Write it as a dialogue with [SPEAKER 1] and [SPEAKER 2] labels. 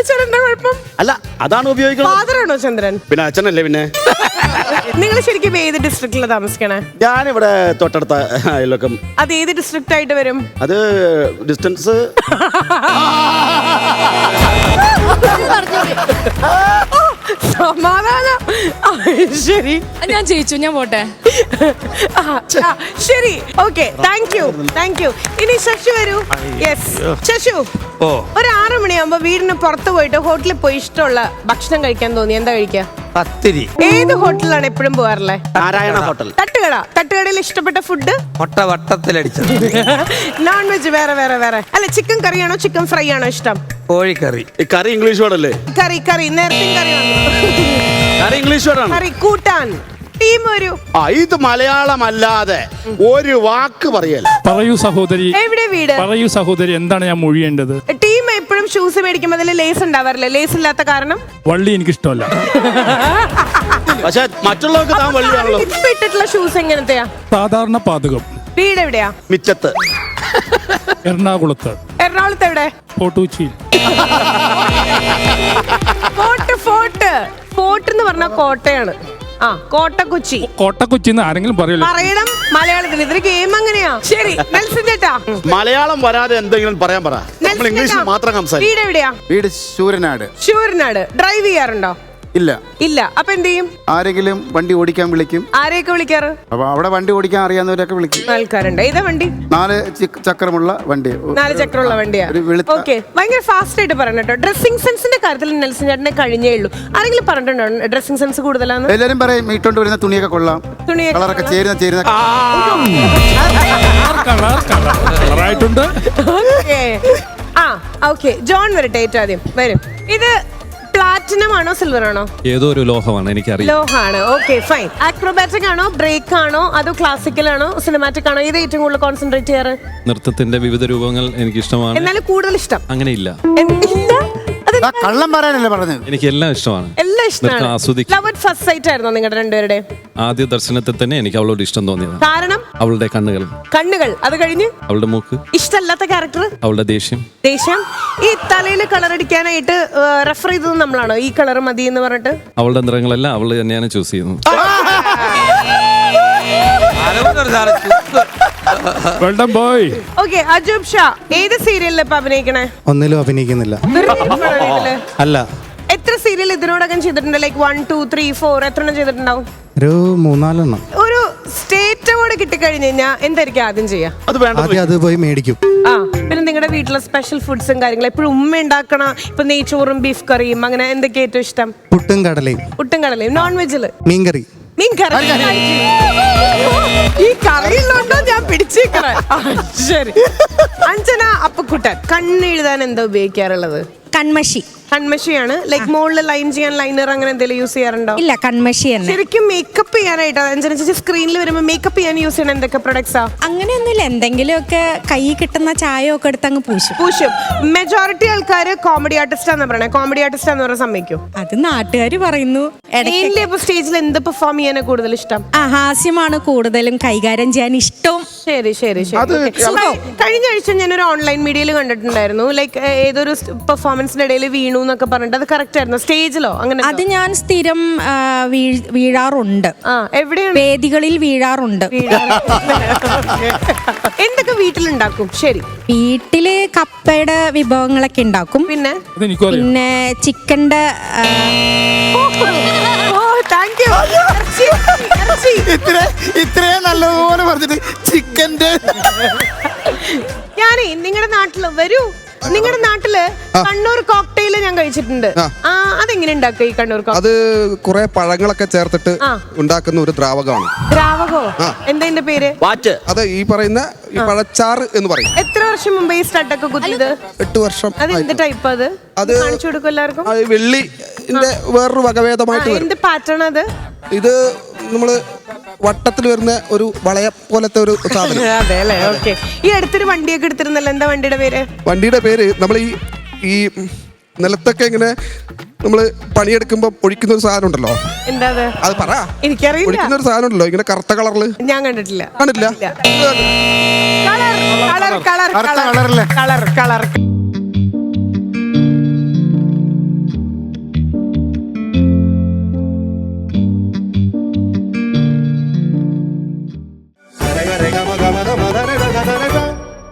[SPEAKER 1] ചേട്ടന്റെ കുഴപ്പം?
[SPEAKER 2] അല്ല, അതാണ് ഉപയോഗിക്കുന്നത്.
[SPEAKER 1] ഫാദറാണോ ചന്ദ്രൻ?
[SPEAKER 2] പിന്നെ അച്ഛനല്ലേ. പിന്നെ
[SPEAKER 1] നിങ്ങൾ ശരിക്കും ഏത് ഡിസ്ട്രിക്റ്റിലാണ് താമസിക്കണേ?
[SPEAKER 2] ഞാനിവിടെ തൊട്ടടുത്ത അയൽവക്കം.
[SPEAKER 1] അത് ഏത് ഡിസ്ട്രിക്റ്റ് ആയിട്ട് വരും?
[SPEAKER 2] അത് ഡിസ്റ്റൻസ്
[SPEAKER 1] സമാധാനം. ശരി,
[SPEAKER 3] ഞാൻ ജയിച്ചു, ഞാൻ പോട്ടെ.
[SPEAKER 1] ശരി, ഓക്കെ, താങ്ക് യു. ഇനി ശശു വരൂ. യെസ് ശശു, ഒരു 6 മണിയാകുമ്പോ വീടിന് പുറത്ത് പോയിട്ട് ഹോട്ടലിൽ പോയി ഇഷ്ടമുള്ള ഭക്ഷണം കഴിക്കാൻ തോന്നി, എന്താ കഴിക്കുക?
[SPEAKER 4] പത്തിരി.
[SPEAKER 1] ഏത് ഹോട്ടലിലാണ് എപ്പോഴും പോകാറുള്ളത്?
[SPEAKER 2] നാരായണ ഹോട്ടൽ.
[SPEAKER 1] തട്ടുകടയിൽ ഇഷ്ടപ്പെട്ട ഫുഡ്?
[SPEAKER 4] മുട്ട വട്ടത്തിലടിച്ചത്.
[SPEAKER 1] നോൺ വെജ് വേറെ അല്ല, ചിക്കൻ കറിയാണോ ചിക്കൻ ഫ്രൈ ആണോ ഇഷ്ടം?
[SPEAKER 4] കോഴിക്കറി.
[SPEAKER 2] കറി ഇംഗ്ലീഷ് വേർഡല്ലേ?
[SPEAKER 1] കറി നേരത്തെ കറി വന്നു.
[SPEAKER 2] കറി ഇംഗ്ലീഷ് വേർഡാണ്.
[SPEAKER 1] കറി കൂട്ടാൻ ടീം വരൂ.
[SPEAKER 2] ഇത് മലയാളമല്ലാതെ ഒരു വാക്ക് പറയല്ല.
[SPEAKER 5] പറയൂ സഹോദരി.
[SPEAKER 1] എവിടെ വീട്?
[SPEAKER 5] പറയൂ സഹോദരി, എന്താണ് ഞാൻ മൊഴിയേണ്ടത്?
[SPEAKER 1] ടീം എപ്പോഴും ഷൂസ് മേടിക്കുമ്പോൾ അതിൽ ലേസ് ഉണ്ടാവാറില്ല. ലേസ് ഇല്ലാത്ത കാരണം?
[SPEAKER 5] വള്ളി എനിക്കിഷ്ടമല്ല.
[SPEAKER 2] പക്ഷെ മറ്റുള്ളവർക്ക് താൻ വള്ളിയാണല്ലോ.
[SPEAKER 1] ഇപ്പൊ ഇട്ടിട്ടുള്ള ഷൂസ് എങ്ങനത്തെയാ?
[SPEAKER 5] സാധാരണ പാതകം.
[SPEAKER 1] വീട് എവിടെയാ?
[SPEAKER 2] മിച്ചത്ത്.
[SPEAKER 5] എറണാകുളത്ത്.
[SPEAKER 1] എറണാകുളത്ത് എവിടെ?
[SPEAKER 5] ഫോർട്ടുകൊച്ചിയിൽ.
[SPEAKER 1] ഫോർട്ട് എന്ന് പറഞ്ഞാൽ കോട്ടയാണ്. കോട്ടക്കൊച്ചി.
[SPEAKER 5] കോട്ടക്കൊച്ചിന്ന് ആരെങ്കിലും പറയല്ലോ?
[SPEAKER 1] പറയണം മലയാളത്തിൽ. ഇതൊരു ഗെയിം അങ്ങനെയാ. ശരി, നെൽസൺ ചേട്ടാ,
[SPEAKER 2] മലയാളം വരാതെ എന്തെങ്കിലും പറയാൻ പറ. നമ്മൾ ഇംഗ്ലീഷിൽ മാത്രം സംസാരിക്കും.
[SPEAKER 1] വീട് എവിടെയാ?
[SPEAKER 6] വീട് ശൂരനാട്.
[SPEAKER 1] ഡ്രൈവ് ചെയ്യാറുണ്ടോ?
[SPEAKER 6] ഇല്ല.
[SPEAKER 1] അപ്പൊ എന്ത് ചെയ്യും?
[SPEAKER 6] ആരെങ്കിലും വണ്ടി ഓടിക്കാൻ വിളിക്കും.
[SPEAKER 1] ആരെയൊക്കെ വിളിക്കാറ്?
[SPEAKER 6] അപ്പൊ അവിടെ വണ്ടി ഓടിക്കാൻ അറിയാവുന്നവരൊക്കെ വിളിക്കും.
[SPEAKER 1] ആൾക്കാരുണ്ട്. ഏതാ വണ്ടി?
[SPEAKER 6] 4 ചക്രമുള്ള വണ്ടി.
[SPEAKER 1] 4 ചക്രമുള്ള വണ്ടിയാ. ഓക്കെ, ഭയങ്കര ഫാസ്റ്റ് ആയിട്ട് പറയണം കേട്ടോ. ഡ്രസ്സിംഗ് സെൻസിന്റെ കാര്യത്തിൽ നെൽസൺ ചേട്ടനെ കഴിഞ്ഞേ ഉള്ളൂ. ആരെങ്കിലും പറഞ്ഞിട്ടുണ്ടോ ഡ്രസ്സിംഗ് സെൻസ് കൂടുതലാന്ന്?
[SPEAKER 6] എല്ലാരും പറയും ഇട്ടോണ്ട് വരുന്ന തുണിയൊക്കെ കൊള്ളാം, കളറൊക്കെ ചേരുന്ന
[SPEAKER 5] കളറായിട്ടുണ്ട്.
[SPEAKER 1] ഓക്കെ, ജോൺ വരട്ടെ. ഏറ്റവും ആദ്യം വരും. ഇത് പ്ലാറ്റിനം ആണോ സിൽവർ ആണോ?
[SPEAKER 7] ഏതോ ഒരു ലോഹമാണ്, എനിക്കറിയാം.
[SPEAKER 1] ലോഹാണ്. Okay, fine. ആക്രോബാറ്റിക് ആണോ, ബ്രേക്ക് ആണോ, അതോ ക്ലാസിക്കൽ ആണോ, സിനിമാറ്റിക് ആണോ? ഇത് ഏറ്റവും കൂടുതൽ കോൺസെൻട്രേറ്റ് ചെയ്യാറ്?
[SPEAKER 7] നൃത്തത്തിന്റെ വിവിധ രൂപങ്ങൾ എനിക്ക് ഇഷ്ടമാണ്.
[SPEAKER 1] എന്നാലും കൂടുതൽ ഇഷ്ടം
[SPEAKER 7] അങ്ങനെയില്ല.
[SPEAKER 6] കള്ളം പറയാനല്ലേ പറഞ്ഞത്.
[SPEAKER 7] എനിക്ക് എല്ലാം ഇഷ്ടമാണ്.
[SPEAKER 1] എല്ലാം ഇഷ്ടമാണ്.
[SPEAKER 7] ആസ്വദിക്കും.
[SPEAKER 1] ലവ് അറ്റ് ഫസ്റ്റ് സൈറ്റ് ആയിരുന്നോ നിങ്ങളുടെ രണ്ടുപേരുടെ?
[SPEAKER 7] ആദ്യ ദർശനത്തിൽ തന്നെ എനിക്ക് അവളോട് ഇഷ്ടം തോന്നിയത്.
[SPEAKER 1] കാരണം?
[SPEAKER 7] അവളുടെ കണ്ണുകൾ.
[SPEAKER 1] അത് കഴിഞ്ഞ്?
[SPEAKER 7] അവളുടെ മൂക്ക്.
[SPEAKER 1] ഇഷ്ടമല്ലാത്ത ക്യാരക്ടർ?
[SPEAKER 7] അവളുടെ ദേഷ്യം. ഈ
[SPEAKER 1] തലയിൽ കളർ അടിക്കാനായിട്ട് റെഫർ ചെയ്തത് നമ്മളാണോ? ഈ കളർ മതി എന്ന് പറഞ്ഞിട്ട്
[SPEAKER 7] അവളുടെ നിറങ്ങളെല്ലാം അവള് തന്നെയാണ് ചൂസ് ചെയ്യുന്നത്.
[SPEAKER 1] ഓക്കെ, അജൂബ് ഷാ ഏത് സീരിയലിൽ ഇപ്പൊ അഭിനയിക്കണേ?
[SPEAKER 6] ഒന്നിലും അഭിനയിക്കുന്നില്ല.
[SPEAKER 1] അല്ല. എത്ര സീരിയൽ ഇതിനോടകം ചെയ്തിട്ടുണ്ട്? ലൈക്ക് 1, 2, 3, 4 എത്ര ചെയ്തിട്ടുണ്ടാവും?
[SPEAKER 6] ഒരു 3-4
[SPEAKER 1] ഒരു സ്റ്റേറ്റ് അവാർഡ് കിട്ടിക്കഴിഞ്ഞു കഴിഞ്ഞാൽ എന്തായിരിക്കും ആദ്യം ചെയ്യാ?
[SPEAKER 6] അത് പോയി മേടിക്കും.
[SPEAKER 1] പിന്നെ നിങ്ങളുടെ വീട്ടിലെ സ്പെഷ്യൽ ഫുഡ്സും കാര്യങ്ങളും എപ്പോഴും ഉമ്മ ഉണ്ടാക്കണ? ഇപ്പൊ നെയ്ച്ചോറും ബീഫ് കറിയും അങ്ങനെ എന്തൊക്കെ ഏറ്റവും ഇഷ്ടം?
[SPEAKER 6] പുട്ടും കടലയും.
[SPEAKER 1] നോൺ വെജില്
[SPEAKER 6] മീൻകറി.
[SPEAKER 1] ഈ കറിയിലുണ്ടോ ഞാൻ പിടിച്ചേക്കണേ. ശരി. അഞ്ജന അപ്പക്കുട്ടൻ കണ്ണെഴുതാൻ എന്താ ഉപയോഗിക്കാറുള്ളത്? കൺമഷിയാണ്. ലൈക് മുകളിൽ ലൈൻ ചെയ്യാൻ ലൈനർ അങ്ങനെ എന്തെങ്കിലും യൂസ് ചെയ്യാറുണ്ടോ?
[SPEAKER 3] ഇല്ല, കൺമഷി തന്നെ.
[SPEAKER 1] ശരിക്കും മേക്കപ്പ് ചെയ്യാനായിട്ട് അഞ്ജന ചേച്ചി സ്ക്രീനിൽ വരുമ്പോൾ മേക്കപ്പ് ചെയ്യാൻ യൂസ് ചെയ്യണ എന്തൊക്കെ പ്രൊഡക്ട്സാ?
[SPEAKER 3] അങ്ങനെയൊന്നുമില്ല, എന്തെങ്കിലുമൊക്കെ കൈ കിട്ടുന്ന ചായ ഒക്കെ എടുത്ത് അങ്ങ് പൂശും.
[SPEAKER 1] മെജോറിറ്റി ആൾക്കാർ കോമഡി ആർട്ടിസ്റ്റ് ആണെന്ന് പറയണേ. കോമഡി ആർട്ടിസ്റ്റ് എന്ന് പറയാൻ സമ്മതിക്കും?
[SPEAKER 3] അത് നാട്ടുകാർ പറയുന്നു.
[SPEAKER 1] സ്റ്റേജിൽ എന്ത് പെർഫോം ചെയ്യാൻ കൂടുതൽ ഇഷ്ടം?
[SPEAKER 3] ഹാസ്യമാണ് കൂടുതലും കൈകാര്യം ചെയ്യാൻ ഇഷ്ടം.
[SPEAKER 1] ശരി. കഴിഞ്ഞ ആഴ്ച ഞാനൊരു ഓൺലൈൻ മീഡിയയിൽ കണ്ടിട്ടുണ്ടായിരുന്നു. ലൈക്ക് ഏതൊരു പെർഫോമൻസിന്റെ ഇടയിൽ വീണു എന്നൊക്കെ പറഞ്ഞിട്ട്. അത് കറക്റ്റ് ആയിരുന്നു? സ്റ്റേജിലോ അങ്ങനെ?
[SPEAKER 3] അത് ഞാൻ സ്ഥിരം വീഴാറുണ്ട്.
[SPEAKER 1] എവിടെയാണ്?
[SPEAKER 3] വേദികളിൽ വീഴാറുണ്ട്.
[SPEAKER 1] എന്തൊക്കെ വീട്ടിലുണ്ടാക്കും? ശരി.
[SPEAKER 3] വീട്ടില് കപ്പയുടെ വിഭവങ്ങളൊക്കെ ഉണ്ടാക്കും.
[SPEAKER 1] പിന്നെ
[SPEAKER 3] ചിക്കന്റെ
[SPEAKER 6] ഇത്രയും നല്ലതുപോലെ പറഞ്ഞിട്ട് ചിക്കന്റെ.
[SPEAKER 1] ഞാനേ നിങ്ങളുടെ നാട്ടില് വരൂ. നിങ്ങളുടെ നാട്ടില് കണ്ണൂർ കോക്ടെയിൽ ഞാൻ കഴിച്ചിട്ടുണ്ട്. അതെങ്ങനെ ഉണ്ടാക്കുക ഈ കണ്ണൂർ?
[SPEAKER 8] അത് കുറെ പഴങ്ങളൊക്കെ ചേർത്തിട്ട് ഉണ്ടാക്കുന്ന ഒരു ദ്രാവകമാണ്.
[SPEAKER 1] ദ്രാവകോ? എന്താ പേര്?
[SPEAKER 8] അത് ഈ പറയുന്ന ഈ പഴച്ചാറ് എന്ന് പറയും.
[SPEAKER 1] എത്ര വർഷം മുമ്പ് ഈ സ്റ്റഡൊക്കെ കുത്തിയത്?
[SPEAKER 8] 8 വർഷം.
[SPEAKER 1] അത് എന്ത് ടൈപ്പ്? അത് കാണിച്ചു കൊടുക്കും എല്ലാവർക്കും.
[SPEAKER 8] വെള്ളിന്റെ വേറൊരു വകഭേദമായിട്ട് വരും.
[SPEAKER 1] എന്ത് പാറ്റേൺ അത്?
[SPEAKER 8] ഇത് നമ്മള് വട്ടത്തിൽ വരുന്ന ഒരു വളയ പോലത്തെ ഒരു സാധനം.
[SPEAKER 1] അതെ അല്ലേ? ഓക്കെ. ഈ അടുത്തൊരു വണ്ടിയൊക്കെ എടുത്തിരുന്നല്ലോ, എന്താ വണ്ടിയുടെ പേര്?
[SPEAKER 8] വണ്ടിയുടെ പേര് നമ്മൾ ഈ നിലത്തൊക്കെ ഇങ്ങനെ നമ്മള് പണിയെടുക്കുമ്പോ ഒഴിക്കുന്ന ഒരു സാധനം ഉണ്ടല്ലോ.
[SPEAKER 1] എന്താ
[SPEAKER 3] അത്?
[SPEAKER 8] പറ.
[SPEAKER 1] എനിക്കറിയില്ല.
[SPEAKER 8] ഒഴിക്കുന്ന ഒരു സാധനം ഉണ്ടല്ലോ, ഇങ്ങനെ കറുത്ത കളറില്.
[SPEAKER 1] ഞാൻ കണ്ടിട്ടില്ല.
[SPEAKER 8] കണ്ടിട്ടില്ല?
[SPEAKER 1] കളർ
[SPEAKER 8] രേഖ രേഖ